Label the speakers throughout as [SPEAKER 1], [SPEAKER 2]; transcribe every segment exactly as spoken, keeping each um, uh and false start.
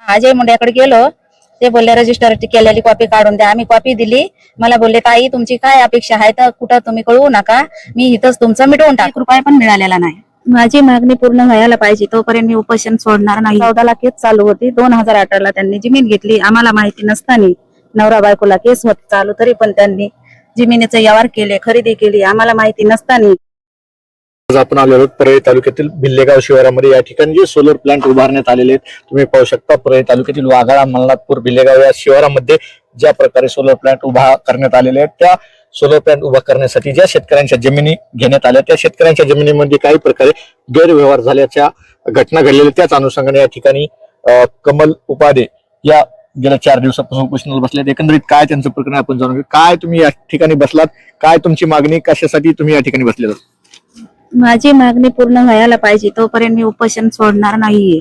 [SPEAKER 1] अजय मुंड्याकडे गेलो, ते बोलले रजिस्टर केलेली कॉपी काढून द्या. आम्ही कॉपी दिली. मला बोलले ताई तुमची काय अपेक्षा आहे तर कुठं तुम्ही कळवू नका, मी इथंच तुमचं मिटवून टाक. एक रुपया पण मिळालेला नाही. माझी मागणी पूर्ण व्हायला पाहिजे तोपर्यंत मी उपोषण सोडणार नाही. चौदाला केस चालू होती. दोन हजार अठराला त्यांनी जमीन घेतली. आम्हाला माहिती नसताना नवरा बायकोला केस होत चालू, तरी पण त्यांनी जमिनीचे व्यवहार केले, खरेदी केली, आम्हाला माहिती नसताना.
[SPEAKER 2] आज आपण आलेलो परळी तालुक्यातील भिल्लेगाव शिवारामध्ये या ठिकाणी जे सोलर प्लांट उभारण्यात आलेले आहेत तुम्ही पाहू शकता. परळी तालुक्यातील वाघाळा, मलनाथपूर, भिल्लेगाव या शिवारामध्ये ज्या प्रकारे सोलर प्लांट उभा करण्यात आलेले आहेत, त्या सोलर प्लांट उभा करण्यासाठी ज्या शेतकऱ्यांच्या जमिनी घेण्यात आल्या त्या शेतकऱ्यांच्या जमिनीमध्ये काही प्रकारे गैरव्यवहार झाल्याच्या घटना घडलेल्या, त्याच अनुषंगाने या ठिकाणी कमल उपाध्ये या गेल्या चार दिवसापासून उपोषणाला बसल्यात. एकंदरीत काय त्यांचं प्रकरण आपण जाणून घेऊ. काय तुम्ही या ठिकाणी बसलात, काय तुमची मागणी, कशासाठी तुम्ही या ठिकाणी बसलेला?
[SPEAKER 1] माझी मागणी पूर्ण व्हायला पाहिजे तोपर्यंत मी उपोषण सोडणार नाहीये.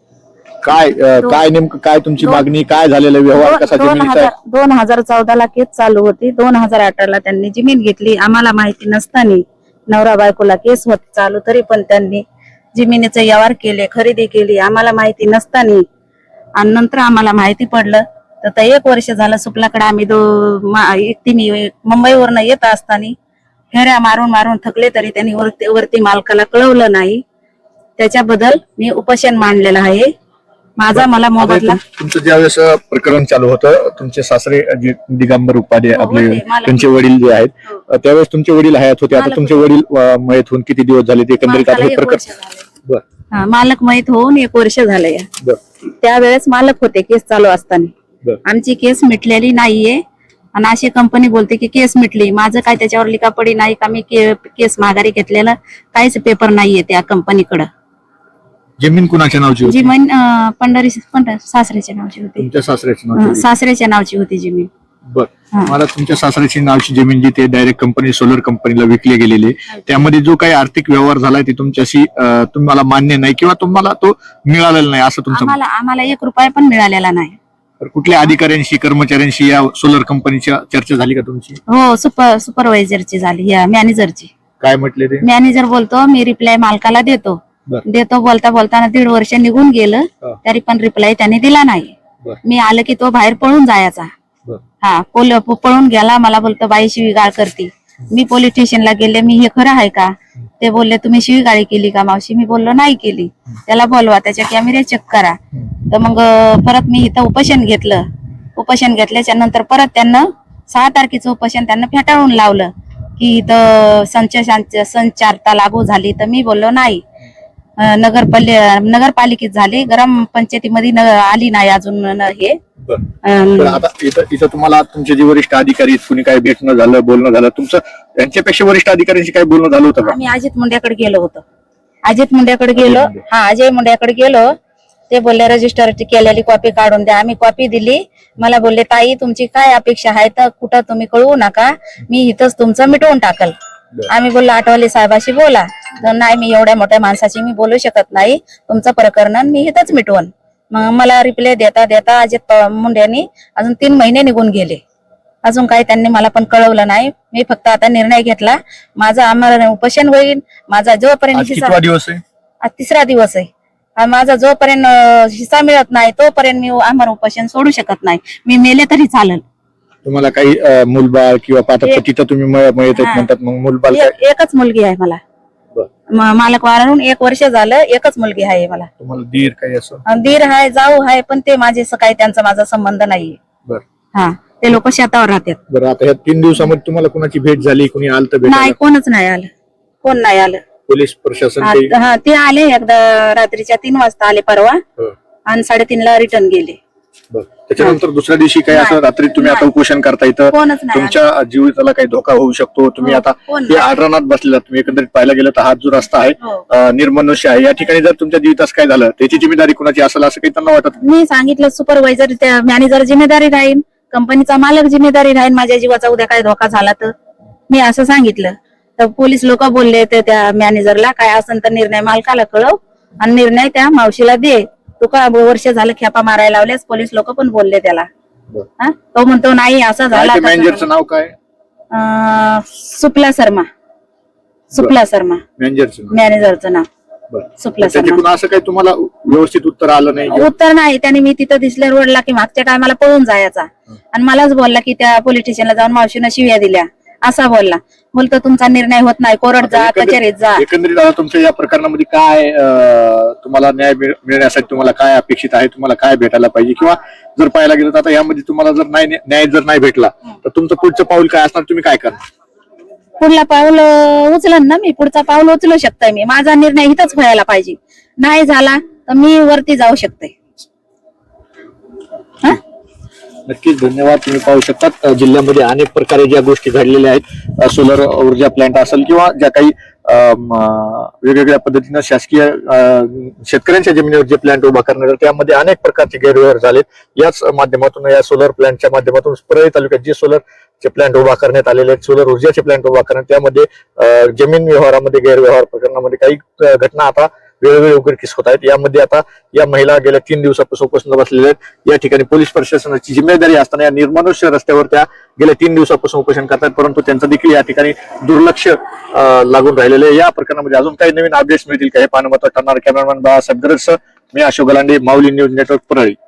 [SPEAKER 2] काय काय नेमकं काय तुमची मागणी, काय झालेला व्यवहार कसा जमिनीचा?
[SPEAKER 1] दोन हजार चौदाला केस चालू होती. दोन हजार अठराला त्यांनी जमीन घेतली. आम्हाला माहिती नसताना नवरा बायकोला केस होत चालू, तरी पण त्यांनी जमिनीचे व्यवहार केले, खरेदी केली, आम्हाला माहिती नसताना. आणि नंतर आम्हाला माहिती पडलं तर एक वर्ष झालं सुपलाकडे आम्ही दो एकटी मुंबईवरनं येत असताना फेऱ्या मारून मारून थकले, तरी त्यांनी वरती वरती मालकाला कळवलं नाही. त्याच्याबद्दल मी उपोषण मांडलेलं आहे. माझा मला मोबदला.
[SPEAKER 2] तुमचं ज्यावेळेस प्रकरण चालू होतं, तुमचे सासरे जे दिगंबर उपाध्ये आपले त्यांचे वडील जे आहेत, त्यावेळेस तुमचे वडील हयात होते. आता तुमचे वडील मयत होऊन किती दिवस झाले? ते एकंदरीत आता हे प्रकरण
[SPEAKER 1] मालक माहित होऊन एक वर्ष झालंय. त्यावेळेस मालक होते केस चालू असताना. आमची केस मिटलेली नाहीये आणि अशी कंपनी बोलते की केस मिटली. माझं काय त्याच्यावर लिखापडी नाही का, मी केस माघारी घेतलेलं काहीच पेपर नाहीये त्या कंपनीकडं.
[SPEAKER 2] जमीन कुणाच्या नावची होती?
[SPEAKER 1] जमीन पंढरी सासऱ्याच्या नावची होती.
[SPEAKER 2] तुमच्या सासऱ्याच्या नावची?
[SPEAKER 1] सासऱ्याच्या नावची होती जमीन.
[SPEAKER 2] बर, मला तुमच्या सासऱ्याची नावची जमीन जी ते डायरेक्ट कंपनी सोलर कंपनीला विकली गेलेली, त्यामध्ये जो काही आर्थिक व्यवहार झालाय ते तुमच्याशी तुम्हाला मान्य नाही किंवा तुम्हाला तो मिळालेला नाही असं तुमचं?
[SPEAKER 1] आम्हाला आम्हाला एक रुपया पण मिळालेला नाही.
[SPEAKER 2] कुठल्या अधिकाऱ्यांशी, कर्मचाऱ्यांशी या सोलर कंपनीच्या चर्चा झाली का तुमची?
[SPEAKER 1] हो, सुपर सुपरवायझरची झाली, या मॅनेजरची.
[SPEAKER 2] काय म्हटले ते?
[SPEAKER 1] मॅनेजर बोलतो मी रिप्लाय मालकाला देतो देतो बोलता बोलताना दीड वर्ष निघून गेलं, तरी पण रिप्लाय त्यांनी दिला नाही. मी आलं की तो बाहेर पळून जायचा. हा, पळून गेला. मला बोलतो बाई शिवीगाळ करते. मी पोलीस स्टेशनला गेले. मी हे खरं आहे का? ते बोलले तुम्ही शिवीगाळी केली का मावशी? मी बोललो नाही केली. त्याला बोलवा, त्याच्या कॅमेरे चेक करा. तर मग परत मी इथं उपोषण घेतलं. उपोषण घेतल्याच्या नंतर परत त्यांना सहा तारखेचं उपोषण त्यांना फेटाळून लावलं की इथं संच संचारता लागू झाली. तर मी बोललो नाही. नगरपालि नगरपालिकेत झाली, ग्रामपंचायतीमध्ये आली नाही अजून हे.
[SPEAKER 2] आता इथं इथं तुम्हाला तुमचे जे वरिष्ठ अधिकारी कुणी काय भेटणं झालं, बोलणं झालं तुमचं? यांच्यापेक्षा वरिष्ठ अधिकाऱ्यांशी काय बोलणं झालं होतं का?
[SPEAKER 1] आम्ही अजित मुंड्याकडे गेलो होतो. अजित मुंड्याकडे गेलो हा अजय मुंड्याकडे गेलो. ते बोलले रजिस्टर केलेली कॉपी काढून द्या. आम्ही कॉपी दिली. मला बोलले ताई तुमची काय अपेक्षा आहे तर कुठं तुम्ही कळवू नका, मी इथंच तुमचं मिटवून टाकल. आम्ही बोललो आठवले साहेबाशी बोला. तर नाही, मी एवढ्या मोठ्या माणसाची मी बोलू शकत नाही, तुमचं प्रकरण मी इथंच मिटवून. मग मला रिप्लाय देता देता अजित मुंड्यांनी अजून तीन महिने निघून गेले. अजून काही त्यांनी मला पण कळवलं नाही. मी फक्त आता निर्णय घेतला, माझा आमरण उपोषण होईल. माझा जोपर्यंत
[SPEAKER 2] कितवा दिवस आहे?
[SPEAKER 1] आज तिसरा दिवस आहे. माझा जोपर्यंत हिस्सा मिळत नाही तोपर्यंत मी आमरण उपोषण सोडू शकत नाही. मी मेले तरी चालेल.
[SPEAKER 2] तुम्हाला काही मुलबाळ किंवा पाठपती तर तुम्ही मयत म्हणतात, मग मुलबाळ?
[SPEAKER 1] एकच मुलगी आहे मला. मालक वारून एक वर्ष झालं, एकच मुलगी आहे मला.
[SPEAKER 2] तुम्हाला दीर काही असं?
[SPEAKER 1] दीर आहे, जाऊ आहे, पण ते माझे काही त्यांचा माझा संबंध नाहीये. हा, ते लोक शेतावर राहतात.
[SPEAKER 2] बरं, आता ह्या तीन दिवसामध्ये तुम्हाला कुणाची भेट झाली, कुणी आलं तर?
[SPEAKER 1] नाही, कोणच नाही आलं. कोण नाही आलं.
[SPEAKER 2] पोलीस प्रशासन?
[SPEAKER 1] हा, ते आले एकदा रात्रीच्या तीन वाजता आले परवा आणि साडेतीन ला रिटर्न गेले.
[SPEAKER 2] त्याच्यानंतर दुसऱ्या दिवशी काही असं रात्री तुम्ही आता उपोषण करता इथं, तुमच्या जीविताला काही धोका होऊ शकतो, तुम्ही आता हे आढळणात बसलेला, तुम्ही एकंदरीत पाहायला गेलं तर हा जो रस्ता आहे निर्मनुष्य आहे, या ठिकाणी जर तुमच्या जीवितास काय झालं त्याची जिम्मेदारी कुणाची असेल असं काही त्यांना वाटत?
[SPEAKER 1] मी सांगितलं सुपरवायझर त्या मॅनेजर जिम्मेदारी राहील, कंपनीचा मालक जिम्मेदारी राहील, माझ्या जीवाचा उद्या काय धोका झाला तर. मी असं सांगितलं तर पोलीस लोक बोलले त्या मॅनेजरला काय असेल तर निर्णय मालकाला कळव आणि निर्णय त्या मावशीला दे. तू का वर्ष झालं खेपा मारायला लावल्यास, पोलीस लोक पण बोलले त्याला. तो म्हणतो नाही असं झालं.
[SPEAKER 2] मॅनेजरचं नाव काय?
[SPEAKER 1] सुपला शर्मा. सुपला शर्मा
[SPEAKER 2] मॅनेजरचं
[SPEAKER 1] मॅनेजरचं नाव सुपला शर्मा.
[SPEAKER 2] असं काही तुम्हाला व्यवस्थित उत्तर आलं नाही.
[SPEAKER 1] उत्तर नाही. त्याने मी तिथं दिसल्या रोडला की मागच्या टायमाला पळून जायचा आणि मलाच बोलला की त्या पोलीस स्टेशनला जाऊन मावशीनं शिव्या दिल्या असा बोलला. बोलतो तुमचा निर्णय होत नाही, कोर्ट जा,
[SPEAKER 2] एकंदरीत-
[SPEAKER 1] कचेरीत जा.
[SPEAKER 2] एकंदरीत आता तुमच्या या प्रकरणामध्ये काय अं, तुम्हाला न्याय मिळ- मिळण्यासाठी तुम्हाला काय अपेक्षित आहे, तुम्हाला काय भेटायला पाहिजे, किंवा जर पाहायला गेलं तर आता यामध्ये तुम्हाला जर नाही न्याय जर नाही भेटला तर तुमचं पुढचं पाऊल काय असणार, तुम्ही काय करणार?
[SPEAKER 1] पुढला पाऊल अं, उचलन ना मी, पुढचा पाऊल उचलू शकते मी. माझा निर्णय इथंच व्हायला पाहिजे. नाही झाला तर मी वरती जाऊ शकते. हा
[SPEAKER 2] नक्कीच धन्यवाद. तुम्ही पाहू शकतात अ, जिल्ह्यामध्ये अनेक प्रकारे ज्या गोष्टी घडलेल्या आहेत, अ, सोलर ऊर्जा प्लांट असेल किंवा ज्या काही अ, म, वेगवेगळ्या पद्धतीनं शासकीय अ, शेतकऱ्यांच्या जमिनीवर जे प्लांट उभा करण्यात आले त्यामध्ये अनेक प्रकारचे गैरव्यवहार झालेत. याच माध्यमातून या सोलर प्लांटच्या माध्यमातून परळी तालुक्यात जे सोलर चे प्लांट उभा करण्यात आलेले आहेत, सोलर ऊर्जाचे प्लांट उभा करण्यात, त्यामध्ये अ, जमीन व्यवहारामध्ये गैरव्यवहार प्रकरणामध्ये काही अ, घटना आता वेळोवेळी उघडकीस होत आहेत. यामध्ये आता या महिला गेल्या तीन दिवसापासून उपोषणाला बसलेल्या आहेत. या ठिकाणी पोलीस प्रशासनाची जिम्मेदारी असताना या निर्मानुष्य रस्त्यावर त्या गेल्या तीन दिवसापासून उपोषण करतात, परंतु त्यांचं देखील या ठिकाणी दुर्लक्ष अ, लागून राहिलेलं आहे. या प्रकरणामध्ये अजून काही नवीन अपडेट्स मिळतील का हे पाहणं महत्त्वाचं ठरणार. कॅमेरामॅन बाळासाहेब गरज, मी अशोक गलांडे, माऊली न्यूज नेटवर्क, परळी.